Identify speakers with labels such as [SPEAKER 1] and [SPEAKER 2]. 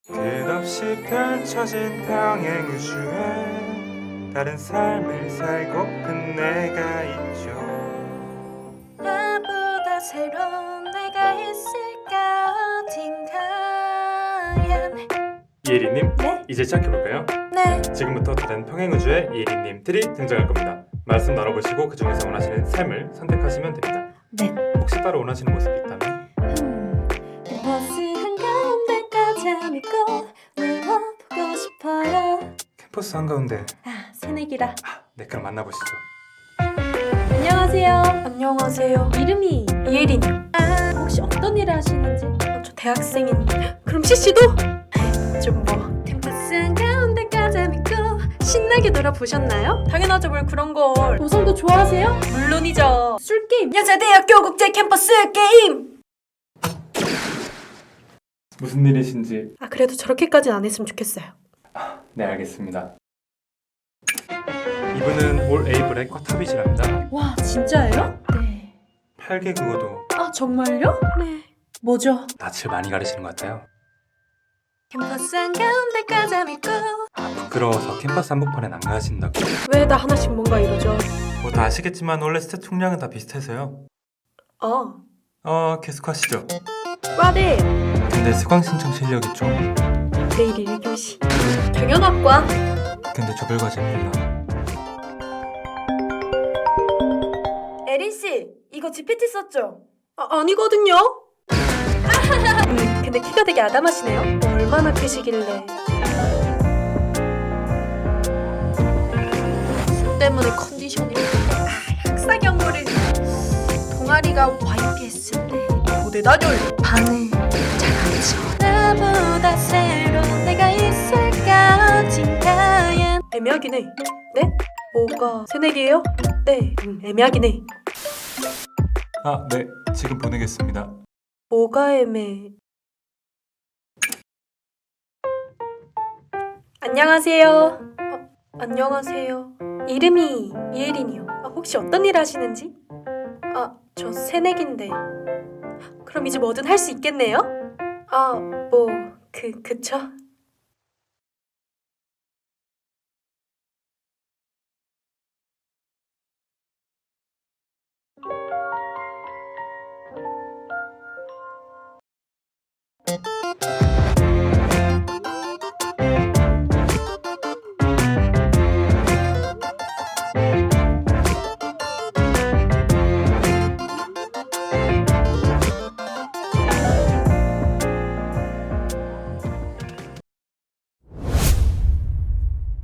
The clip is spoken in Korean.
[SPEAKER 1] 끝없이 펼쳐진 평행 우주에 다른 삶을 살고픈 내가 있죠.
[SPEAKER 2] 나보다 새로운 내가 있을까 어딘가엔.
[SPEAKER 1] 예리님,
[SPEAKER 2] 네?
[SPEAKER 1] 이제 시작해볼까요?
[SPEAKER 2] 네.
[SPEAKER 1] 지금부터 다른 평행 우주의 예리님들이 등장할 겁니다. 말씀 나눠보시고 그 중에서 원하시는 삶을 선택하시면 됩니다.
[SPEAKER 2] 네.
[SPEAKER 1] 혹시 따로 원하시는 모습이 있다면?
[SPEAKER 2] 버스 한가운데까지 믿고 울어보고 싶어요.
[SPEAKER 1] 캠퍼스 한가운데.
[SPEAKER 2] 새내기라.
[SPEAKER 1] 네, 그럼 만나보시죠.
[SPEAKER 2] 안녕하세요. 안녕하세요. 이름이 이예린이요. 혹시 어떤 일을 하시는지? 저 대학생인데. 그럼 CC도? 좀 뭐. 캠퍼스 한가운데까지 믿고 신나게 놀아보셨나요? 당연하죠. 뭘 그런 걸. 도성도 좋아하세요? 물론이죠. 술게임. 여자대학교 국제 캠퍼스 게임.
[SPEAKER 1] 무슨 일이신지.
[SPEAKER 2] 그래도 저렇게까지는 안 했으면 좋겠어요.
[SPEAKER 1] 네, 알겠습니다. 이분은 올 A 블랙 쿼터빗이랍니다.
[SPEAKER 2] 와, 진짜예요? 네.
[SPEAKER 1] 8개 국어도
[SPEAKER 2] 정말요? 네. 뭐죠?
[SPEAKER 1] 낯을 많이 가리시는 것 같아요.
[SPEAKER 2] 캠퍼스 한가운데까지 믿고.
[SPEAKER 1] 부끄러워서 캠퍼스 한복판엔 안 가신다고.
[SPEAKER 2] 왜 다 하나씩 뭔가 이러죠?
[SPEAKER 1] 뭐 다 아시겠지만 원래 스탯 총량은 다 비슷해서요. 계속하시죠.
[SPEAKER 2] 과대.
[SPEAKER 1] 근데 수강 신청 실력이 좀.
[SPEAKER 2] 내일 1교시. 경영학과.
[SPEAKER 1] 근데 조별과제 몰라.
[SPEAKER 2] 에린씨, 이거 GPT 썼죠? 아니거든요. 근데 키가 되게 아담하시네요. 얼마나 크시길래. 술 때문에 컨디션이. 학사 경고를. 동아리가 YPS인데 고대단열 반을 잘안 쳐. 나보다 새로운 내가 있을까 어딘가엔. 애매하긴 해. 네? 뭐가 새내기예요? 네, 애매하긴 해.
[SPEAKER 1] 네, 지금 보내겠습니다.
[SPEAKER 2] 뭐가 애매? 안녕하세요. 안녕하세요. 이름이 이예린이요. 혹시 어떤 일 하시는지? 저 새내기인데. 그럼 이제 뭐든 할 수 있겠네요? 그쵸?